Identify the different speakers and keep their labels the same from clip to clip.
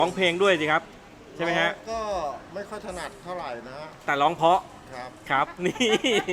Speaker 1: ร้องเพลงด้วยสิครับใช่ไหมฮะ
Speaker 2: ก็ไม่ค่อยถนัดเท่าไหร่นะฮะ
Speaker 1: แต่ร้องเพราะ
Speaker 2: ครับ
Speaker 1: ครับนี่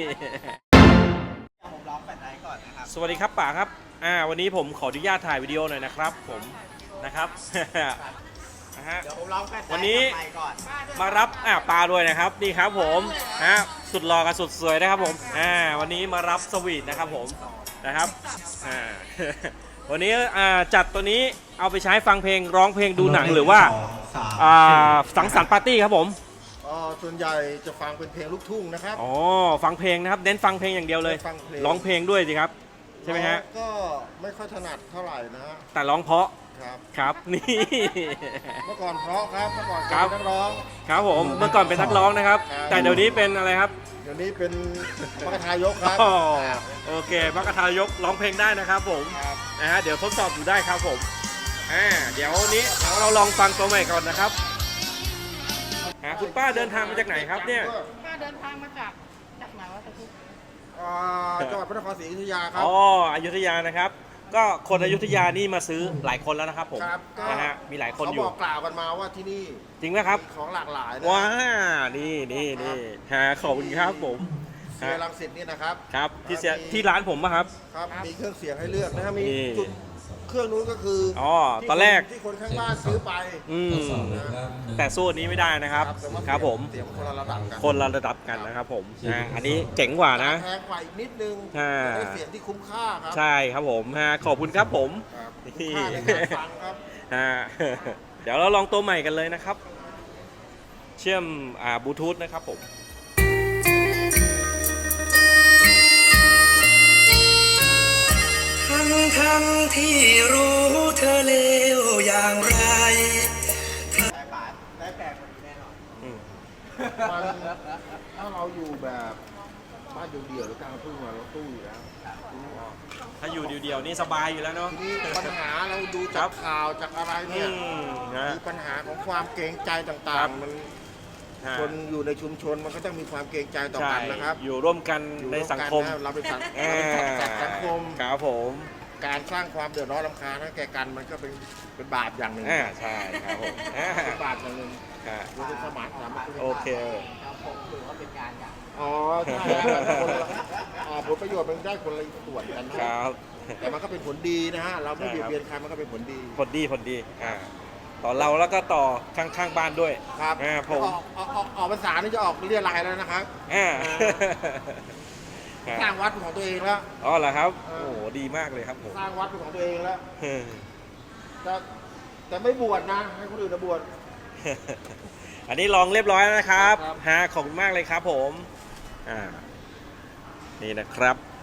Speaker 3: ผมร้องแฟนไนท์ก่อนนะครับ
Speaker 1: สวัสดีครับป๋าครับวันนี้ผมขออนุญาตถ่ายวิดีโอหน่อยนะครับผมนะครับนะฮะ
Speaker 3: เดี๋ยวผมร้องแฟนไนท์
Speaker 1: วันนี้
Speaker 3: ไปก่อน
Speaker 1: มารับปลาด้วยนะครับนี่ครับผมสุดหล่อกับสุดสวยนะครับผมวันนี้มารับสวีทนะครับผมนะครับวันนี้จัดตัวนี้เอาไปใช้ฟังเพลงร้องเพลงดูหนังหรือว่าสังสรรค์ปาร์ตี้ครับผม
Speaker 2: ส่วนใหญ่จะฟังเป็นเพลงลูกทุ่งนะครับ
Speaker 1: อ๋อฟังเพลงนะครับเน้นฟังเพลงอย่างเดียวเลยร้องเพลงด้วยสิครับใช่ไหมฮะ
Speaker 2: ก็ไม่ค่อยถนัดเท่าไหร่นะฮะ
Speaker 1: แต่ร้องเพราะ
Speaker 2: ครับ
Speaker 1: ครับนี่
Speaker 2: เมื่อก่อนเพราะครับเมื่อก่อนเป็นนักร้อง
Speaker 1: ครับผมเมื่อก่อนเป็นนักร้องนะครับแต่เดี๋ยวนี้เป็นอะไรครับ
Speaker 2: เดี๋ยวนี้เป็นมรรคทายกครับ
Speaker 1: โอเคมรรคทายกร้องเพลงได้นะครับผมนะฮะเดี๋ยวทดสอบดูได้ครับผมเดี๋ยวนี้เราลองฟังตัวใหม่ก่อนนะครับคุณป้าเดินทางมาจากไหนครับเนี่ย
Speaker 4: ป้าเดินทางมาจากไหนวะตะคุก
Speaker 2: จังหวัดพระนครศรีอยุธยาครับ
Speaker 1: อ๋ออยุธยานะครับก็คนอยุธยานี่มาซื้อหลายคนแล้วนะครับผมนะฮะมีหลายคนอยู่
Speaker 2: เขาบอกกล่าวกันมาว่าที่นี่
Speaker 1: จริงไหมครับ
Speaker 2: ของหลากหลายนะ
Speaker 1: ว้านี่ขอบคุณครับผม
Speaker 2: เสียรังสิตนี่นะครับ
Speaker 1: ครับที่ร้านผมป่ะครับ
Speaker 2: ครับมีเครื่องเสียงให้เลือกนะครับมีจุดเครื่องนู้นก็คือ
Speaker 1: ตอนแรก
Speaker 2: ที่คนข้างบ้านซื้อไป
Speaker 1: แต่สู้อันนี้ไม่ได้นะครับครับผม
Speaker 2: เสียงคนละระดับกัน
Speaker 1: นะครับผมอันนี้เจ๋งกว่านะ
Speaker 2: แพงกว่าอีกนิดนึงได้เสียงที่คุ้มค่าครับ
Speaker 1: ใช่ครับผมขอบคุณครับผม
Speaker 2: คุ้มค่าในการฟังครับ
Speaker 1: เดี๋ยวเราลองตัวใหม่กันเลยนะครับเชื่อมบลูทูธนะครับผม
Speaker 5: ทั้งที่รู้เธอเลวอย่างไร
Speaker 3: ได้แปลกกว่านี้แน่นอน
Speaker 2: ถ้าเราอยู่แบบบ้านเดี่ยวๆหรือกลางทุ่งเราตู้อยู่แล้ว
Speaker 1: ถ้าอยู่เดียวๆนี่สบายอยู่แล้วเนาะ
Speaker 2: ทีนี้ปัญหาเราดูจากข่าวจากอะไรเนี่ยมีปัญหาของความเกรงใจต่างๆมันคนอยู่ในชุมชนมันก็ต้องมีความเกรงใจต่อกันนะครับ
Speaker 1: อยู่ร่วมกันในสังคม
Speaker 2: เราเป็นสังคม
Speaker 1: ครับผม
Speaker 2: การสร้างความเดือดร้อนรำคาญให้แก่กันมันก็เป็นบาปอย่างหนึ่ง
Speaker 1: ใช่ครับผม
Speaker 2: เป็นบาปอย่างหนึ่งรู้สึกสมาน
Speaker 1: โอเค
Speaker 3: ผมถือว่าเป็นงานอย่าง
Speaker 2: ใช่ผลประโยชน์มันได้คนละส่วนกัน
Speaker 1: นะครับ
Speaker 2: แต่มันก็เป็นผลดีนะฮะเราไม่เบียดเบียนใครมันก็เป็นผลดี
Speaker 1: ต่อเราแล้วก็ต่อข้างบ้านด้วย
Speaker 2: ครับผมออกภาษานี่จะออกเรียรายแล้วนะครับสร้างวัดของตัวเองแล้ว
Speaker 1: อ๋อเหรอครับโอ้โหดีมากเลยครับผม
Speaker 2: สร้างวัดของตัวเองแล้วแต่ไม่บวชนะให้คนอื่นบวช
Speaker 1: อันนี้ลองเรียบร้อยแล้วนะครับขอบคุณมากเลยครับผมนี่นะครับ